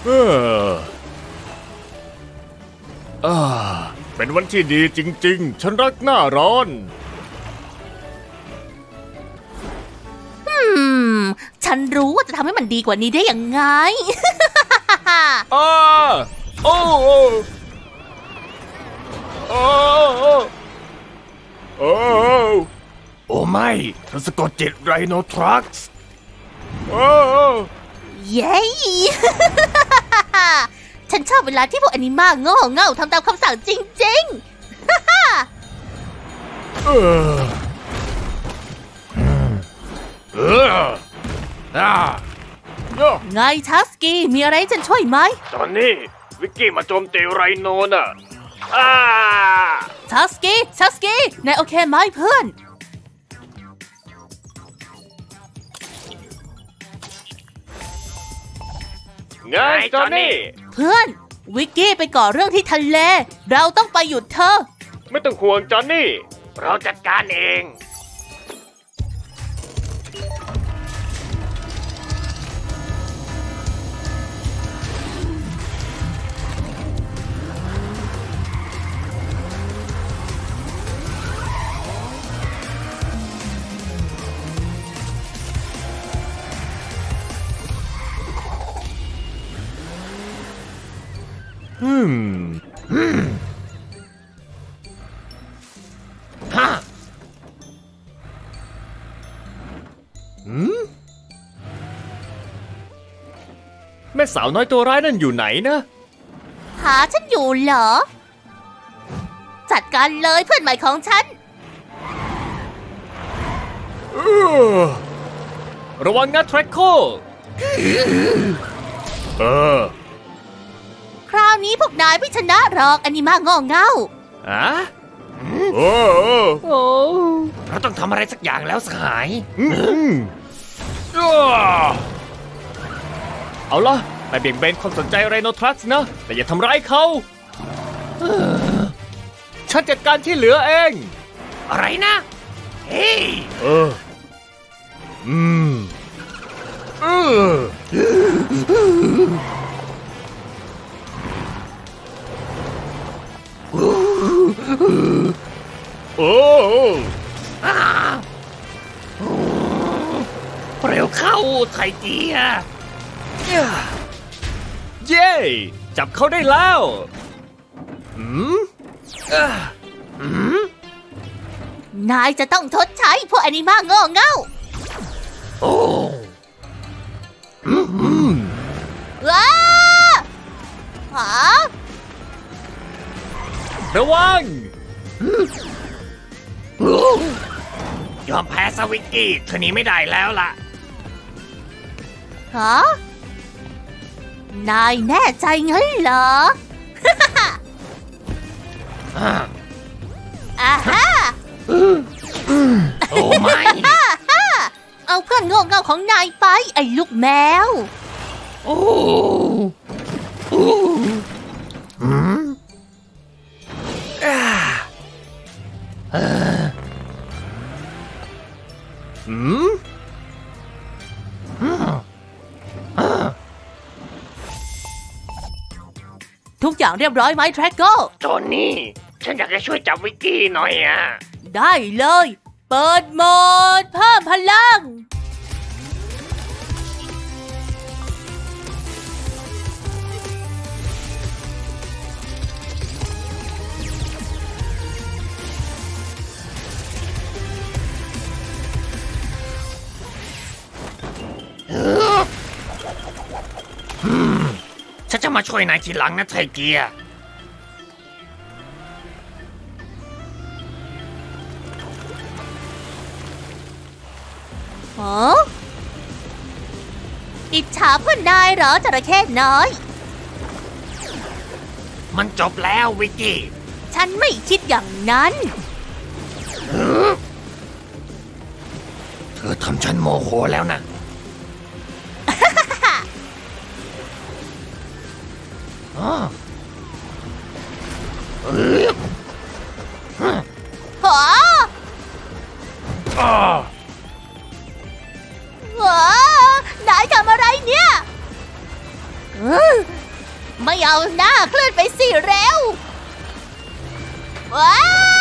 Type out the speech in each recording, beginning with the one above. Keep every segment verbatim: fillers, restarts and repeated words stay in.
เอออ่าเป็นวันที่ดีจริงๆฉันรักหน้าร้อนอืมฉันรู้ว่าจะทำให้มันดีกว่านี้ได้ยังไงอ้าโอ้โอ้โอ้โอ้โอ้โอ้ไม่เธอสะกดจิตไรโนทรัคส์โอ้เย้ ฉันชอบเวลาที่พวกแอนิมาโง่เง่าทำตามคำสั่งจริงๆเออเอออ่าไงทัสกี้มีอะไรให้ฉันช่วยไหมตอนนี้วิกกี้มาโจมตีไรโนน่ะอ้าทัสกี้ทัสกี้นายโอเคไหมเพื่อนไงจอนนี่เพื่อนวิกกี้ไปก่อเรื่องที่ทะเลเราต้องไปหยุดเธอไม่ต้องห่วงจอนนี่ เราจัดการเอง อืมอืมฮะอืมแม่สาวน้อยตัวร้ายนั่นอยู่ไหนนะหาฉันอยู่เหรอ จัดการเลยเพื่อนใหม่ของฉันเออระวังนะแทร็กโคเออคราวนี้พวกนายไม่ชนะหรอกแอนิมาโง่เง่าอะโอ้โอ้เราต้องทำอะไรสักอย่างแล้วสหายเอาล่ะไปเบี่ยงเบนความสนใจไรโนทรัสนะ แต่อย่าทำร้ายเขาฉันจัดการที่เหลือเอง อะไรนะ เฮ้ยเออ อืมเออโอ้เร็วเข้าไทเกียเย้จับเขาได้แล้วอืมอืมนายจะต้องทดใช้พวกแอนิมาโง่เง่าโอ้อืมว้าหาระวังยอมแพ้สวิกกี้เธอหนีไม่ได้แล้วล่ะฮะนายแน่ใจงั้นเหรอ อ่าฮะโอ้ไม่เอาเพื่อนโง่เง่าของนายไปไอ้ลูกแมวโอ้โอ้อืมอ่าเอออืมอืมอ่าทุกอย่างเรียบร้อยไหมแทร็กเกอร์จอนนี่ ฉันอยากจะช่วยจับวิกกี้หน่อยอ่ะได้เลย เปิดโหมดเพิ่มพลังฉันจะมาช่วยนายทีหลังนะไทเกียฮะอิจฉาเพื่อนนายเหรอจระเข้น้อยมันจบแล้ววิกกี้ฉันไม่คิดอย่างนั้นเธอทำฉันโมโหแล้วนะ อ๋อเออฮะอ้าว้านายทำอะไรเนี่ยไม่เอาหน้าเคลื่อนไปสิเร็วว้า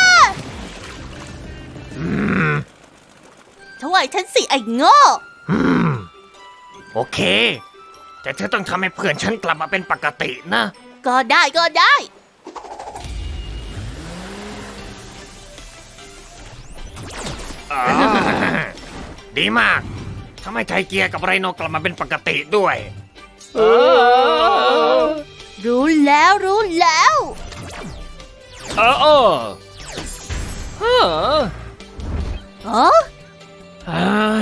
อืมช่วยฉันสิไอ้โง่อืม โอเค แต่เธอต้องทำให้เพื่อนฉันกลับมาเป็นปกตินะก็ได้ก็ได้อ่า ดีมากทำให้ไทเกียร์กับไรโนกลับมาเป็นปกติด้วย เออรู้แล้วรู้แล้วเออเออเออเอออ่า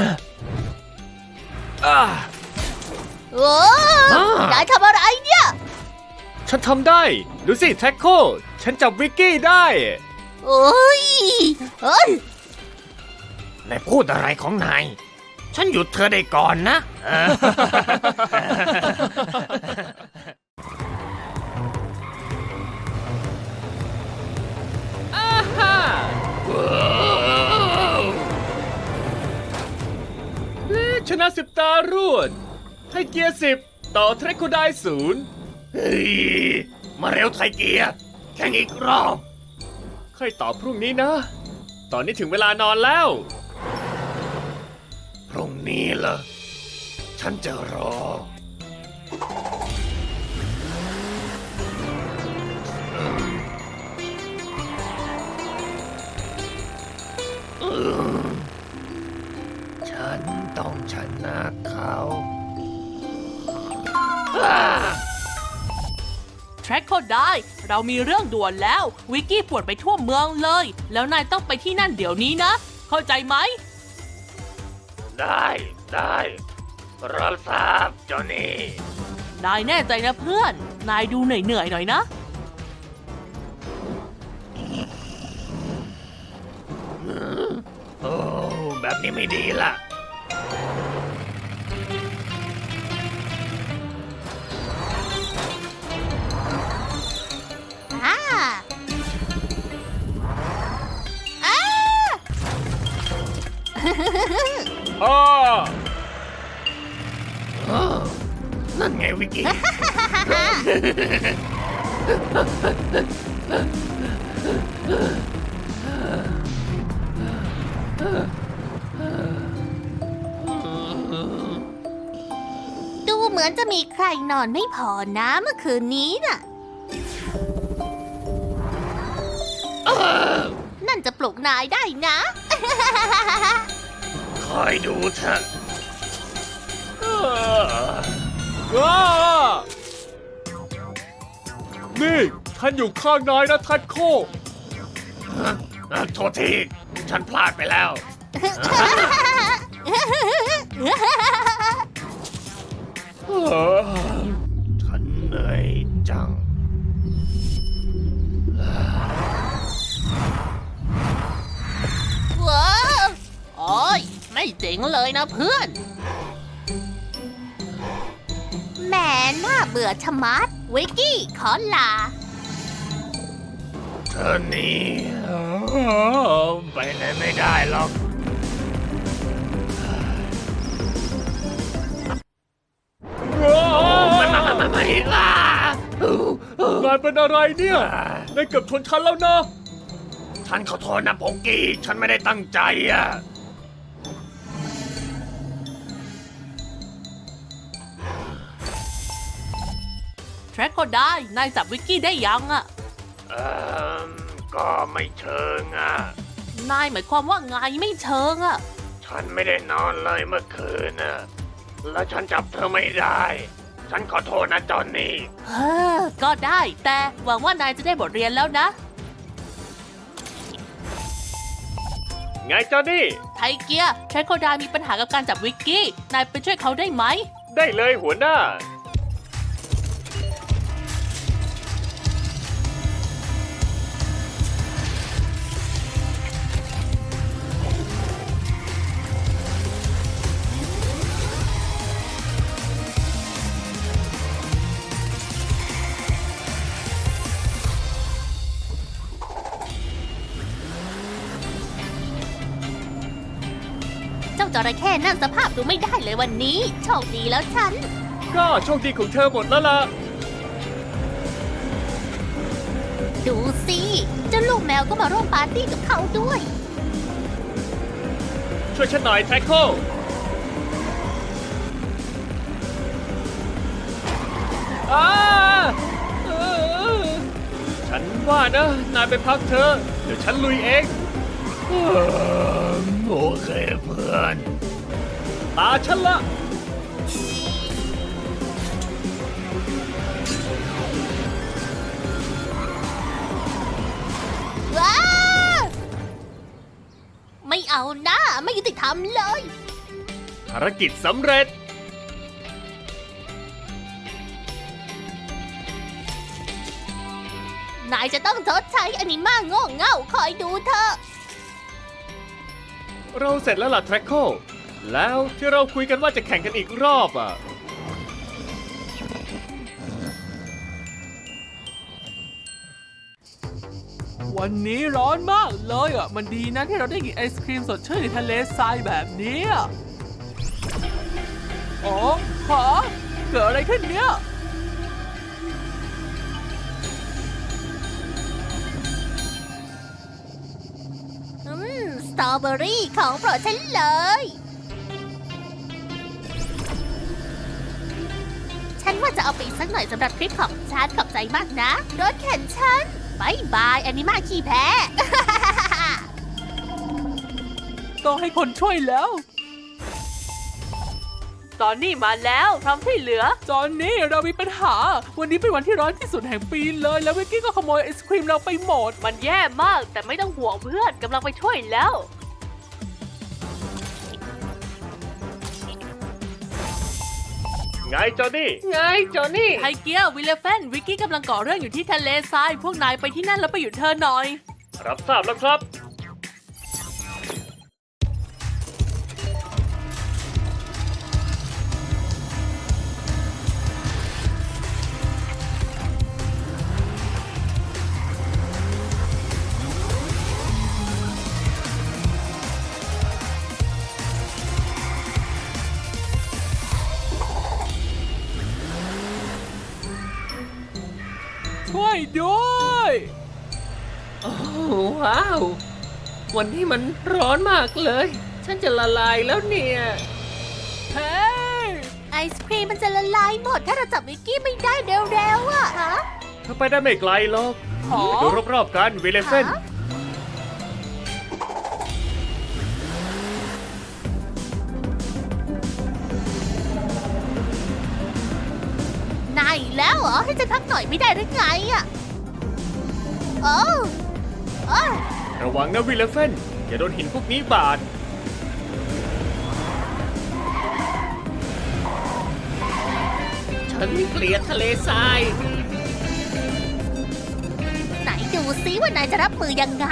อ่าโอ้นายทำอะไรเนี่ยฉันทำได้ ดูสิแท็กโค ฉันจับวิกกี้ได้โอ้ยเอ้ยนายพูดอะไรของนาย ฉันหยุดเธอได้ก่อนนะเออ อาฮ่าและชนะสิบตารวด ให้เกียร์สิบต่อเทรคโคไดศูนย์เฮ้ย มาเร็วไทเกียร์แข่งอีกรอบ ค่อยตอบพรุ่งนี้นะ ตอนนี้ถึงเวลานอนแล้ว พรุ่งนี้เหรอ ฉันจะรอ ฉันต้องชนะเขาแทร็กโคได้ เรามีเรื่องด่วนแล้ว วิกกี้ป่วนไปทั่วเมืองเลย แล้วนายต้องไปที่นั่นเดี๋ยวนี้นะ เข้าใจไหมได้ได้รับทราบจอนี่นายแน่ใจนะเพื่อน นายดูเหนื่อยเหนื่อยๆหน่อยนะโอ้ แบบนี้ไม่ดีล่ะอ่าอ่าอ้ออ้อนั่นไงวิกกี้ดูเหมือนจะมีใครนอนไม่พอนะเมื่อคืนนี้น่ะ นั่นจะปลุกนายได้นะคอยดูเถอะนี่ท่านอยู่ข้างนายนะทัดโคโทษที ฉันพลาดไปแล้ว ฉันเหนื่อยจังว้าวโอ้ยไม่เจ๋งเลยนะเพื่อน แหมน่าเบื่อชะมัด วิกกี้ขอลาเธอนี่ไปไหนไม่ได้หรอก ไม่ไม่ไม่ไม่ล่ะนายเป็นอะไรเนี่ยนายเกือบชนฉันแล้วนะ ฉันขอโทษนะโปกกี้ ฉันไม่ได้ตั้งใจอ่ะแทร็กโคได้ นายจับวิกกี้ได้ยังอะเออก็ไม่เชิงอ่ะนายหมายความว่าไงไม่เชิงอะฉันไม่ได้นอนเลยเมื่อคืนน่ะ แล้วฉันจับเธอไม่ได้ ฉันขอโทษนะจอนนี่เฮ้อก็ได้ แต่หวังว่านายจะได้บทเรียนแล้วนะไงจอนนี่ไทเกียร์แทร็กโคได้มีปัญหากับการจับวิกกี้ นายไปช่วยเขาได้ไหมได้เลยหัวหน้าเจ้าจระเข้นั่นสภาพดูไม่ได้เลยวันนี้ โชคดีแล้วฉันก็โชคดีของเธอหมดแล้วล่ะดูสิเจ้าลูกแมวก็มาร่วมปาร์ตี้กับเขาด้วยช่วยฉันหน่อยแทร็กโคอ้าเออฉันว่านะ นายไปพักเถอะเดี๋ยวฉันลุยเองเออโอเคเพื่อน ตาฉันละว้าไม่เอานะไม่ยุติธรรมเลยภารกิจสำเร็จนายจะต้องชดใช้อนิมาโง่เง่าคอยดูเถอะเราเสร็จแล้วล่ะแทร็กโคแล้วที่เราคุยกันว่าจะแข่งกันอีกรอบอ่ะวันนี้ร้อนมากเลยอ่ะ มันดีนะที่เราได้กินไอศครีมสดชื่นในทะเลทรายแบบนี้อะอ๋อฮะเกิดอะไรขึ้นเนี่ยอืม สตรอเบอรี่ของโปรดฉันเลย ฉันว่าจะเอาไปอีกสักหน่อยสำหรับคลิปของฉันขอบใจมากนะ รถเข็นฉันบายบายแอนิมาขี้แพ้ต้องให้คนช่วยแล้ว ตอนนี้มาแล้วพร้อมที่เหลือ ตอนนี้เรามีปัญหา วันนี้เป็นวันที่ร้อนที่สุดแห่งปีเลย แล้ววิกกี้ก็ขโมยไอศครีมเราไปหมด มันแย่มาก แต่ไม่ต้องห่วงเพื่อนกำลังไปช่วยแล้วไงจอนี่ ไงจอนี่ไทเกียร์วิลเลฟเฟนวิกกี้กำลังก่อเรื่องอยู่ที่ทะเลทราย พวกนายไปที่นั่นแล้วไปหยุดเธอหน่อยรับทราบแล้วครับช่วยด้วยโอ้ว้าว วันนี้มันร้อนมากเลย ฉันจะละลายแล้วเนี่ยเฮ้ยไอศครีมมันจะละลายหมดถ้าเราจับวิกกี้ไม่ได้เร็วๆอะฮะถ้าไปได้ไม่ไกลหรอกหอดูรอบๆกันวิลเลฟเฟนฮะ นายอีกแล้วเหรอ ให้ฉันพักหน่อยไม่ได้หรือไงอะโอ้โอ้ระวังนะวิลเลฟเฟนอย่าโดนหินพวกนี้บาด ฉันเกลียดทะเลทรายไหนดูซิว่านายจะรับมือยังไง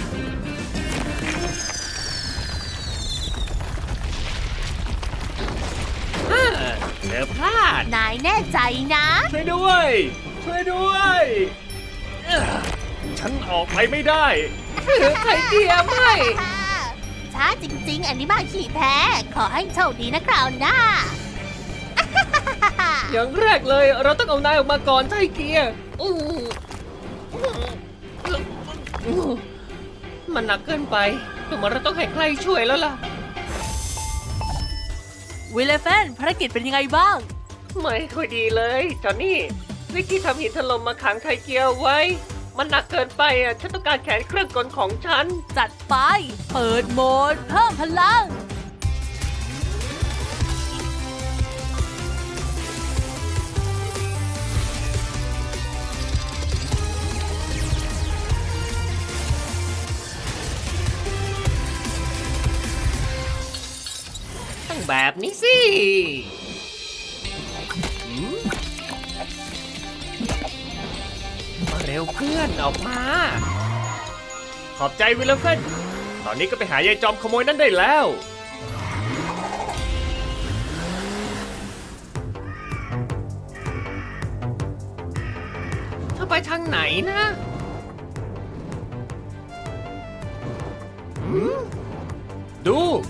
เธอพลาดนายแน่ใจนะช่วยด้วย ช่วยด้วยเอ้อฉันออกไปไม่ได้ไทเกียร์ไม่ช้าจริงๆ อันนี้มาขี่แพ้ ขอให้โชคดีนะคราวหน้าอย่างแรกเลยเราต้องเอานายออกมาก่อนไทเกียร์อู้มันหนักเกินไปดูเหมือนเราต้องให้ใครช่วยแล้วล่ะวิลเลฟเฟนภารกิจเป็นยังไงบ้างไม่ค่อยดีเลยจอนนี่วิกกี้ทำหินถล่มมาขังไทเกียร์ไว้ มันหนักเกินไปอ่ะฉันต้องการแขนเครื่องกลของฉันจัดไป เปิดโหมด เพิ่มพลังต้องแบบนี้สิหืมมาเร็วเพื่อนออกมา ขอบใจวิลเลฟเฟนตอนนี้ก็ไปหายายจอมขโมยนั่นได้แล้ว เธอไปทางไหนนะหืมดู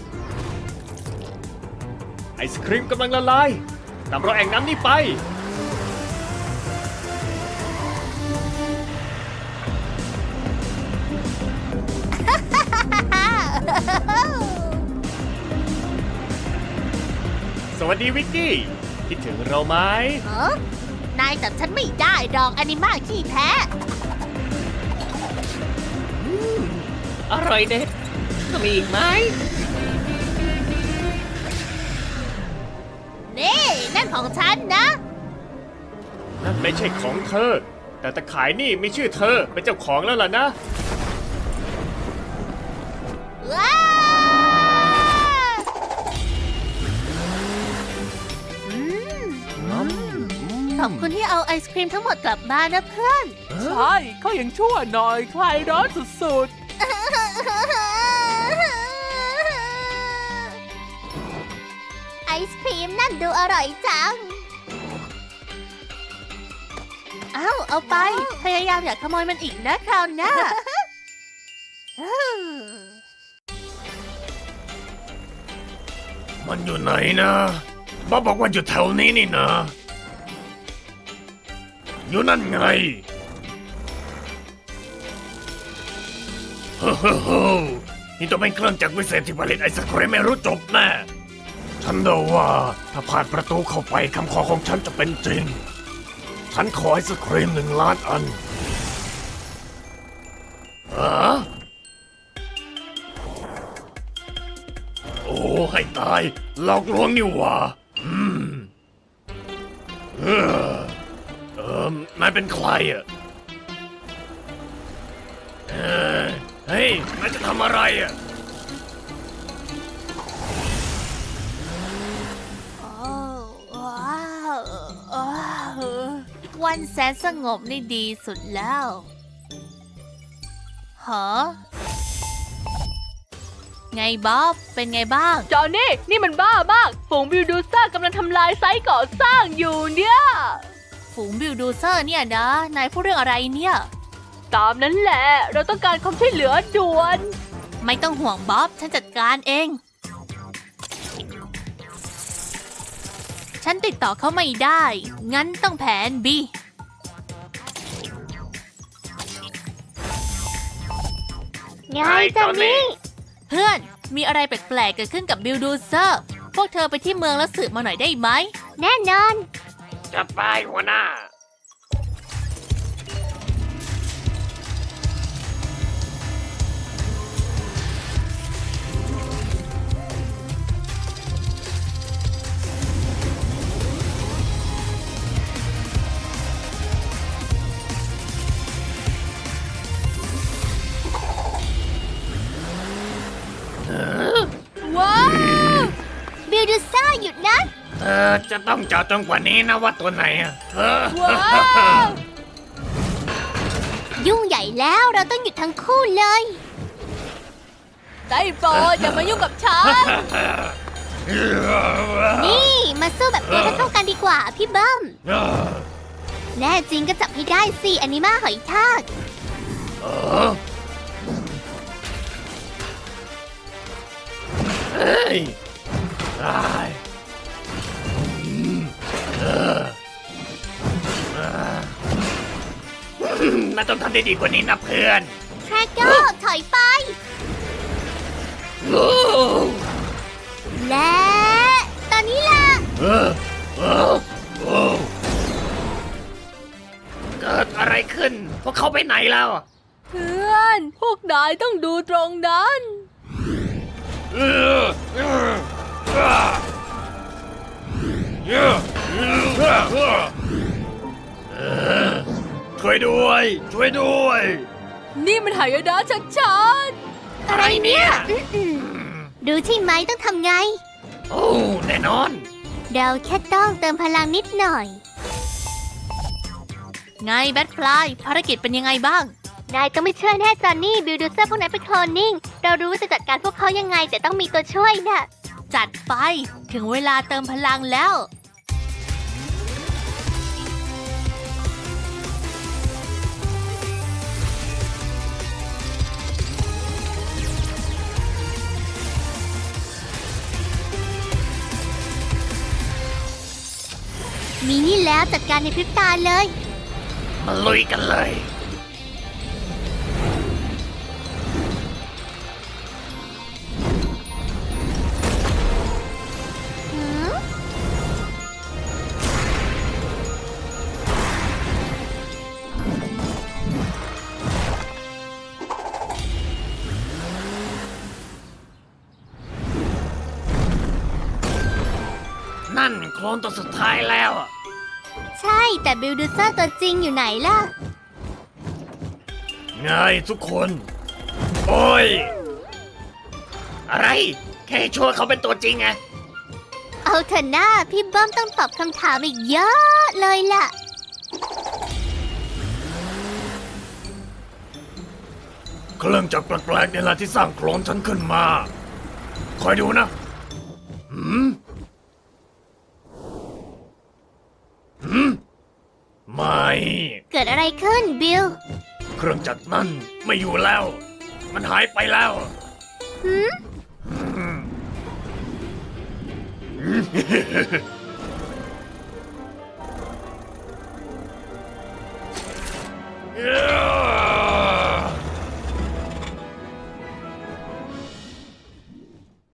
ไอศครีมกำลังละลายตามรอยแอ่งน้ำนี่ไปสวัสดีวิกกี้ คิดถึงเราไหมเออนายจับฉันไม่ได้ดอกอนิมาขี้แท้อร่อยเด็ดมีอีกไหมนี่นั่นของฉันนะนั่นไม่ใช่ของเธอ แต่ตะขายนี่มีชื่อเธอเป็นเจ้าของแล้วล่ะนะว้าอืมขอบคุณที่เอาไอศครีมทั้งหมดกลับบ้านนะเพื่อนใช่เขายังชั่วหน่อยคลายร้อนสุดไอศครีมนั่นดูอร่อยจัง เอ้า เอาไป พยายามอย่าขโมยมันอีกนะคราวหน้ามันอยู่ไหนนะบ๊อบบอกว่าอยู่แถวนี้นี่นะ อยู่นั่นไงเฮ้โฮ้นี่ต้องเป็นเครื่องจักรวิเศษที่ผลิตไอศครีมไม่รู้จบแน่ ฉันเดาว่าถ้าผ่านประตูเข้าไปคำขอของฉันจะเป็นจริง ฉันขอไอศครีมหนึ่งล้านอันอะโอ้ให้ตายหลอกลวงนี่หว่าอืมเออเออนายเป็นใครอ่ะเออเฮ้ยนายจะทำอะไรอ่ะวันแสนสงบนี่ดีสุดแล้วฮะไงบ๊อบ เป็นไงบ้างๆ จอห์นนี่นี่มันบ้ามากฝูงบิลดูเซอร์กำลังทำลายไซต์ก่อสร้างอยู่เนี่ยฝูงบิลดูเซอร์เนี่ยนะ นายพูดเรื่องอะไรเนี่ยตามนั้นแหละ เราต้องการความช่วยเหลือด่วนไม่ต้องห่วงบ๊อบ ฉันจัดการเอง ฉันติดต่อเขาไม่ได้ งั้นต้องแผน B ไงจอนนี่เพื่อน มีอะไรแปลกๆเกิดขึ้นกับบิลดูเซอร์ พวกเธอไปที่เมืองแล้วสืบมาหน่อยได้ไหม แน่นอนจะไปหัวหน้าว้าว บิลดูเซอร์หยุดนะเธอจะต้องเจาะจงกว่านี้นะว่าตัวไหนอ่ะเออว้าว ยุ่งใหญ่แล้วเราต้องหยุดทั้งคู่เลยได้โปรดอย่ามายุ่งกับฉันนี่มาสู้แบบตัวเท่าๆกันดีกว่าพี่เบิ้ม แน่จริงก็จับให้ได้สิแอนิมาหอยทากเออเฮ้ยได้อืมเออเออนายต้องทำได้ดีกว่านี้นะเพื่อนแทร็กเกอร์ถอยไปโอ้และตอนนี้ล่ะเออเออโอ้เกิดอะไรขึ้น พวกเขาไปไหนแล้วเพื่อน พวกนายต้องดูตรงนั้นเออเออเออเออเออช่วยด้วย ช่วยด้วยนี่มันหายนะชัดอะไรเนี่ยดูใช่ไหมต้องทำไงโอ้ แน่นอนเราแค่ต้องเติมพลังนิดหน่อย ไงแบทฟลายภารกิจเป็นยังไงบ้าง นายต้องไม่เชื่อแน่จอนนี่บิลดูเซอร์พวกนั้นเป็นโคลนนิ่ง เรารู้ว่าจะจัดการพวกเขายังไง แต่ต้องมีตัวช่วยน่ะ จัดไปถึงเวลาเติมพลังแล้ว มีนี่แล้วจัดการในพริบตาเลยมาลุยกันเลยหืมนั่นโคลนตัวสุดท้ายแล้วอะใช่แต่บิลดูเซอร์ตัวจริงอยู่ไหนล่ะไงทุกคน โอ้ย อะไร แค่ช่วยเขาเป็นตัวจริงไงเอาเถอะหน้าพี่เบิ้มต้องตอบคำถามอีกเยอะเลยล่ะเครื่องจักรแปลกๆนี่แหละที่สร้างโคลนฉันขึ้นมา คอยดูนะหืมหืมไม่เกิดอะไรขึ้นบิลเครื่องจักรนั่นไม่อยู่แล้ว มันหายไปแล้วหืมเอ้